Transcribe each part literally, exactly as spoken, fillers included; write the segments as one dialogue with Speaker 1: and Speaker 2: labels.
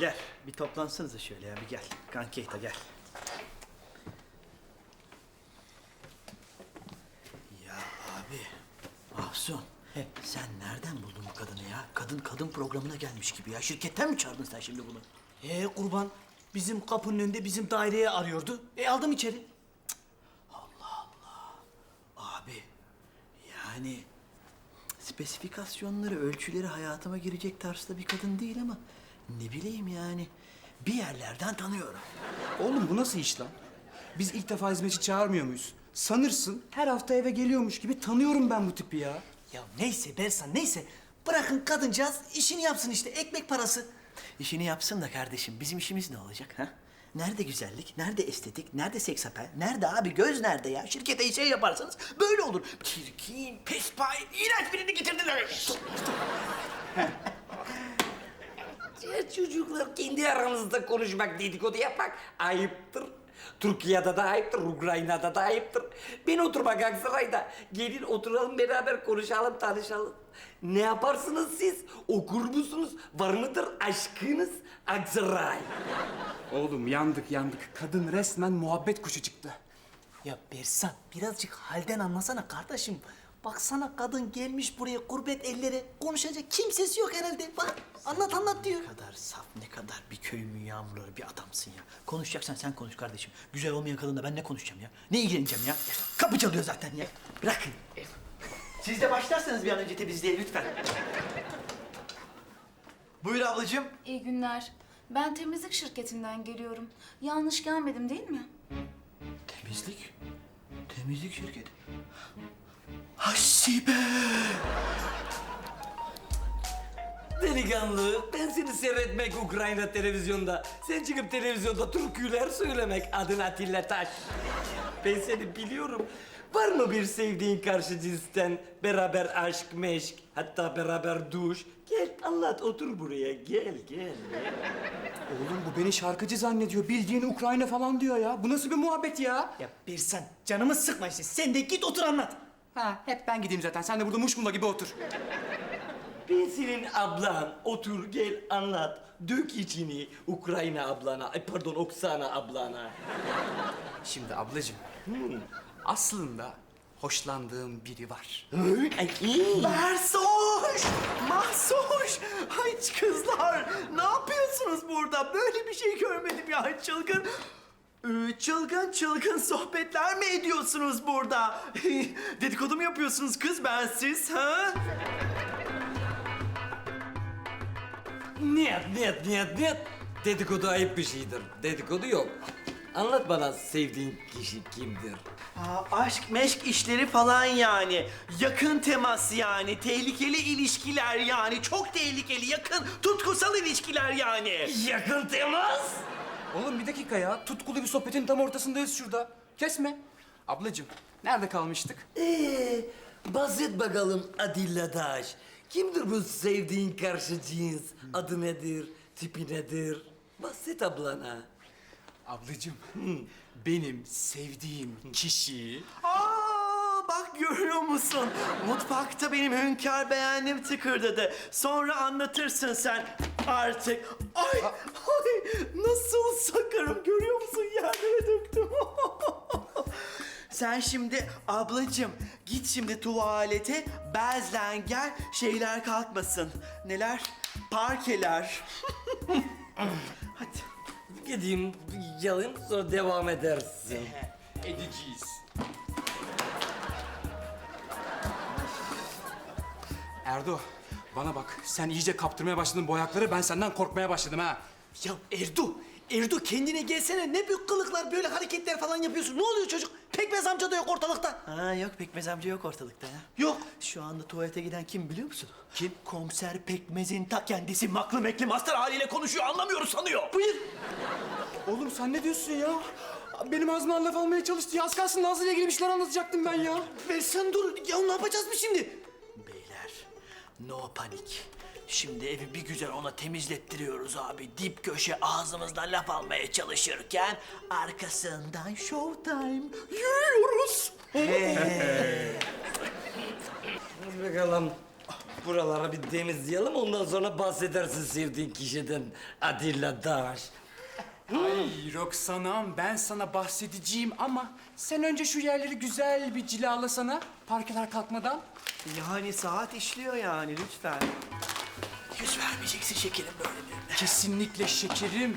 Speaker 1: Gel, bir toplansanıza şöyle ya, bir gel. Kankeyta gel. Ya abi, Mahsun. He, sen nereden buldun bu kadını ya? Kadın kadın programına gelmiş gibi ya. Şirketten mi çağırdın sen şimdi bunu?
Speaker 2: Ee kurban, bizim kapının önünde bizim daireye arıyordu. E aldım içeri.
Speaker 1: Abi, yani spesifikasyonları, ölçüleri hayatıma girecek tarzda bir kadın değil ama ne bileyim yani bir yerlerden tanıyorum.
Speaker 3: Oğlum bu nasıl iş lan? Biz ilk defa hizmetçi çağırmıyor muyuz? Sanırsın her hafta eve geliyormuş gibi tanıyorum ben bu tipi ya.
Speaker 2: Ya neyse Bersan neyse. Bırakın kadıncağız işini yapsın işte ekmek parası.
Speaker 1: İşini yapsın da kardeşim bizim işimiz ne olacak ha? Nerede güzellik, nerede estetik, nerede seks apel, nerede abi göz nerede ya? Şirkete şey yaparsanız böyle olur. Çirkin, pespay, iğrenç birini getirdiler.
Speaker 4: Ya çocuklar kendi aranızda konuşmak, dedikodu yapmak ayıptır. Türkiye'de de ayıptır, Ukrayna'da da ayıptır. Ben oturmak Aksaray'da. Gelin oturalım beraber konuşalım, tanışalım. Ne yaparsınız siz? Okur musunuz? Var mıdır aşkınız Aksaray?
Speaker 3: Oğlum yandık yandık. Kadın resmen muhabbet kuşu çıktı.
Speaker 2: Ya Bersan birazcık halden anlasana kardeşim. Baksana kadın gelmiş buraya gurbet ellere konuşacak kimsesi yok herhalde. Bak anlat anlat diyor.
Speaker 1: Ne kadar saf, ne kadar bir köyümün yağmurları bir adamsın ya. Konuşacaksan sen konuş kardeşim. Güzel olmayan kadınla ben ne konuşacağım ya? Ne ilgileneceğim ya? Kapı çalıyor zaten ya. Bırakın. Siz de başlarsanız bir an önce temizliğe lütfen. Buyur ablacığım.
Speaker 5: İyi günler. Ben temizlik şirketinden geliyorum. Yanlış gelmedim değil mi?
Speaker 1: Temizlik? Temizlik şirketi. Hasibe!
Speaker 4: Delikanlı, ben seni seyretmek Ukrayna televizyonda. Sen çıkıp televizyonda türküler söylemek adın Atilla Taş. Ben seni biliyorum. Var mı bir sevdiğin karşı cinsten beraber aşk, meşk, hatta beraber duş? Gel anlat, otur buraya. Gel, gel.
Speaker 3: Oğlum bu beni şarkıcı zannediyor. Bildiğin Ukrayna falan diyor ya. Bu nasıl bir muhabbet ya?
Speaker 2: Ya Bersan canımı sıkma işte. Sen de git otur anlat.
Speaker 3: Ha hep ben gideyim zaten. Sen de burada muşmula gibi otur.
Speaker 4: Ben senin ablan. Otur, gel, anlat. Dök içini Ukrayna ablana, ay pardon Oksana ablana.
Speaker 3: Şimdi ablacığım. Aslında hoşlandığım biri var.
Speaker 4: Ay, iyi.
Speaker 1: Mersoş! Mahsoş! Ay kızlar! Ne yapıyorsunuz burada? Böyle bir şey görmedim ya. Çılgın... Ee, Çılgın çılgın sohbetler mi ediyorsunuz burada? Dedikodu mu yapıyorsunuz kız bensiz ha?
Speaker 4: Niyet, niyet, niyet, niyet. Dedikodu ayıp bir şeydir. Dedikodu yok. Anlat bana sevdiğin kişi kimdir?
Speaker 1: Aa, aşk meşk işleri falan yani. Yakın temas yani. Tehlikeli ilişkiler yani. Çok tehlikeli, yakın, tutkusal ilişkiler yani.
Speaker 4: Yakın temas.
Speaker 3: Oğlum bir dakika ya. Tutkulu bir sohbetin tam ortasındayız şurada. Kesme. Ablacığım nerede kalmıştık?
Speaker 4: Ee, bahset bakalım Adilla Daş. Kimdir bu sevdiğin karşı cins? Adı nedir? Tipi nedir? Bahset ablana.
Speaker 3: Ablacığım benim sevdiğim kişi...
Speaker 1: Aa, bak görüyor musun? Mutfakta benim hünkâr beğendim tıkırdadı. Sonra anlatırsın sen artık. Ay, ay nasıl sakarım görüyor musun? Yerlere döktüm. Sen şimdi ablacığım git şimdi tuvalete bezlen gel şeyler kalkmasın. Neler? Parkeler. Hadi.
Speaker 4: Gideyim, yalayım sonra devam edersin.
Speaker 3: Edeceğiz. Erdo bana bak sen iyice kaptırmaya başladın bu ayakları, ben senden korkmaya başladım ha.
Speaker 2: Ya Erdo, Erdo kendine gelsene. Ne büyük kılıklar, böyle hareketler falan yapıyorsun. Ne oluyor çocuk? Pekmez amca da yok ortalıkta.
Speaker 1: Ha yok Pekmez amca yok ortalıkta ya.
Speaker 2: Yok.
Speaker 1: Şu anda tuvalete giden kim biliyor musun? Kim? Komiser Pekmez'in ta kendisi maklı mekli master haliyle konuşuyor anlamıyoruz sanıyor.
Speaker 2: Buyur.
Speaker 3: Oğlum sen ne diyorsun ya? Benim ağzımdan laf almaya çalıştı. Ya az kalsın Nazlı'yla ilgili bir şeyler anlatacaktım ben ya.
Speaker 2: Versen dur. Ya ne yapacağız biz şimdi?
Speaker 1: Beyler no panik. Şimdi evi bir güzel ona temizlettiriyoruz abi. Dip köşe ağzımızda laf almaya çalışırken arkasından showtime yürüyoruz.
Speaker 4: Dur bakalım. Buraları bir temizleyelim, ondan sonra bahsedersin sevdiğin kişiden. Adilla Daş.
Speaker 3: Ay Roxana'm, ben sana bahsedeceğim ama sen önce şu yerleri güzel bir cilalasana parkeler kalkmadan.
Speaker 1: Yani saat işliyor yani lütfen. Yüz vermeyeceksin şekerim böyle birine.
Speaker 3: Kesinlikle şekerim.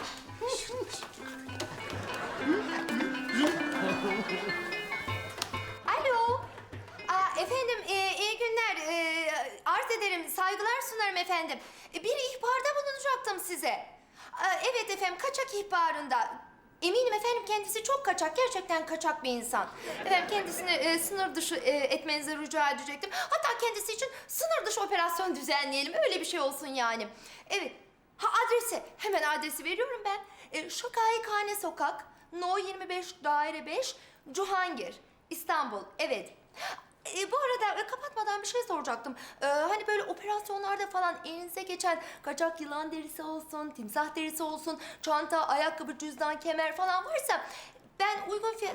Speaker 6: Alo. Aa, efendim e, iyi günler. E, arz ederim, saygılar sunarım efendim. E, bir ihbarda bulunacaktım size. Aa, evet efendim, kaçak ihbarında. Eminim efendim kendisi çok kaçak, gerçekten kaçak bir insan. Efendim kendisini e, sınır dışı e, etmenizi rica edecektim. Hatta kendisi için sınır dışı operasyon düzenleyelim, öyle bir şey olsun yani. Evet, ha adresi, hemen adresi veriyorum ben. E, Şakayıkhane Sokak, No yirmi beş, Daire beş, Cuhangir, İstanbul, evet. E, bu arada e, kapatmadan bir şey soracaktım. E, hani böyle operasyonlarda falan elinize geçen kaçak yılan derisi olsun, timsah derisi olsun, çanta, ayakkabı, cüzdan, kemer falan varsa ben uygun fiyat...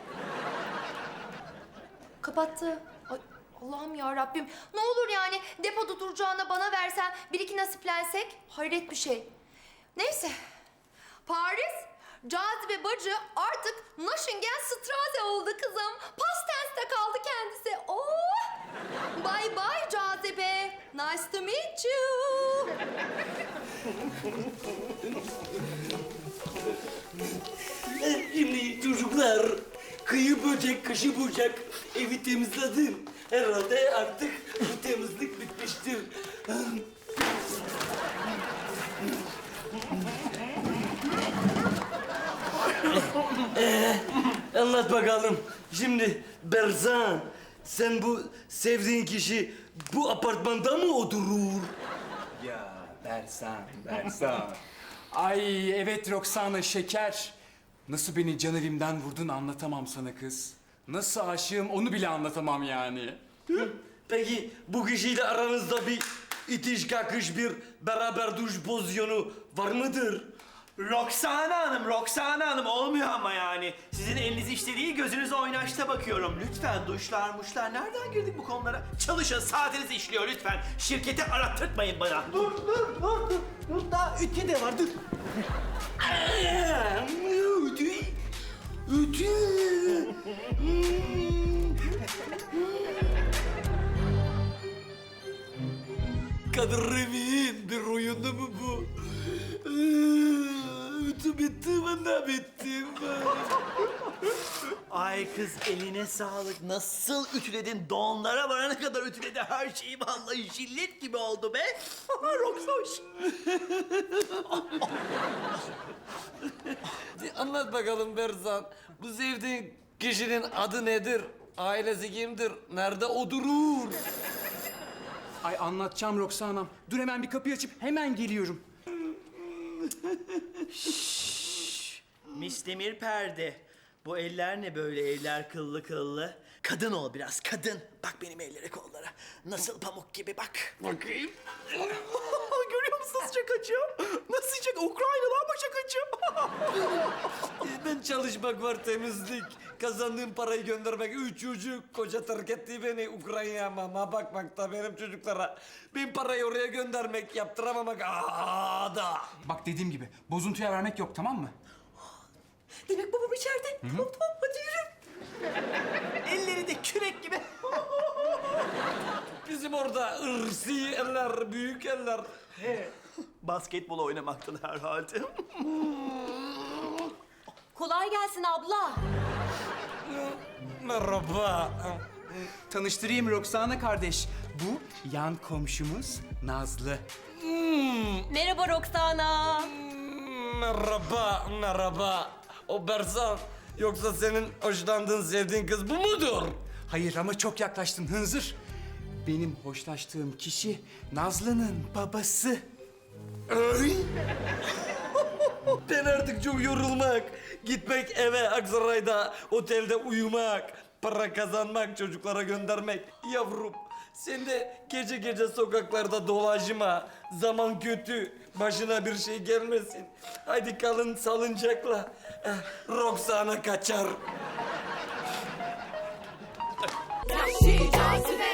Speaker 6: Kapattı. Ay, Allah'ım ya Rabbim. Ne olur yani depoda duracağına bana versen bir iki nasiplensek hayret bir şey. Neyse. Paris, Cazibe bacı artık Naşingen Straße oldu kızım. Past tense'te kaldı kendisi. Oh! Bye bye Cazibe. Nice to meet you.
Speaker 4: Şimdi çocuklar, kıyı böcek, kışı bucak, evi temizledim. Herhalde artık bu temizlik bitmiştir. Ee, anlat bakalım. Şimdi Berzan, sen bu sevdiğin kişi bu apartmanda mı oturur?
Speaker 3: Ya Bersan, Bersan. Ay evet Roxana şeker. Nasıl beni can evimden vurdun anlatamam sana kız. Nasıl aşığım onu bile anlatamam yani.
Speaker 4: Peki bu kişiyle aranızda bir itiş kakış, bir beraber duş pozisyonu var mıdır?
Speaker 1: Roxana Hanım, Roxana Hanım olmuyor ama yani. Sizin eliniz işte değil, gözünüz oynaşta bakıyorum. Lütfen duşlar muşlar, nereden girdik bu konulara? Çalışın, saatiniz işliyor lütfen. Şirketi arattırtmayın bana. Dur, dur, dur, dur. Dur, daha ütü de var, dur.
Speaker 4: Aa, Ütü. Ütü. Kadir Revik'in bir oyunu mu bu? Aa, Ütü bitti, ben de bittim.
Speaker 1: Ay kız eline sağlık. Nasıl ütüledin? Donlara varana kadar ütüledi her şeyi. Vallahi jillet gibi oldu be. Roxoş.
Speaker 4: Anlat bakalım Berzan. Bu sevdiğin kişinin adı nedir? Ailesi kimdir? Nerede oturur?
Speaker 3: Ay anlatacağım Roxana'm. Dur hemen bir kapıyı açıp hemen geliyorum.
Speaker 1: Mistemir perde. Bu eller ne böyle, eller kıllı kıllı. Kadın ol biraz, kadın. Bak benim ellere kollara. Nasıl pamuk gibi bak.
Speaker 4: Bakayım.
Speaker 1: Görüyor musun nasıl şakacı? Nasıl şaka? Ukraynalılar mı şakacı?
Speaker 4: Ben çalışmak var, temizlik. Kazandığım parayı göndermek. Üç çocuk. Koca terk etti beni Ukrayna'ya, mama bakmakta benim çocuklara. Ben parayı oraya göndermek, yaptıramamak. Aa da.
Speaker 3: Bak dediğim gibi bozuntuya vermek yok tamam mı?
Speaker 6: Demek babam içeride. Tamam tamam, hadi yürü.
Speaker 1: Elleri de kürek gibi.
Speaker 4: Bizim orada ırsi eller, büyük eller.
Speaker 1: Basketbol oynamaktan herhalde.
Speaker 6: Kolay gelsin abla.
Speaker 4: Merhaba.
Speaker 3: Tanıştırayım Roxana kardeş. Bu yan komşumuz Nazlı.
Speaker 6: Merhaba Roxana.
Speaker 4: Merhaba, merhaba. O Berzan, yoksa senin hoşlandığın, sevdiğin kız bu mudur?
Speaker 3: Hayır ama çok yaklaştın hınzır. Benim hoşlaştığım kişi Nazlı'nın babası.
Speaker 4: Ay! Ben artık çok yorulmak, gitmek eve Aksaray'da, otelde uyumak, para kazanmak, çocuklara göndermek. Yavrum, sen de gece gece sokaklarda dolaşma. Zaman kötü, başına bir şey gelmesin. Haydi kalın salıncakla. Eh, Roxana kaçar.
Speaker 6: Cazibe.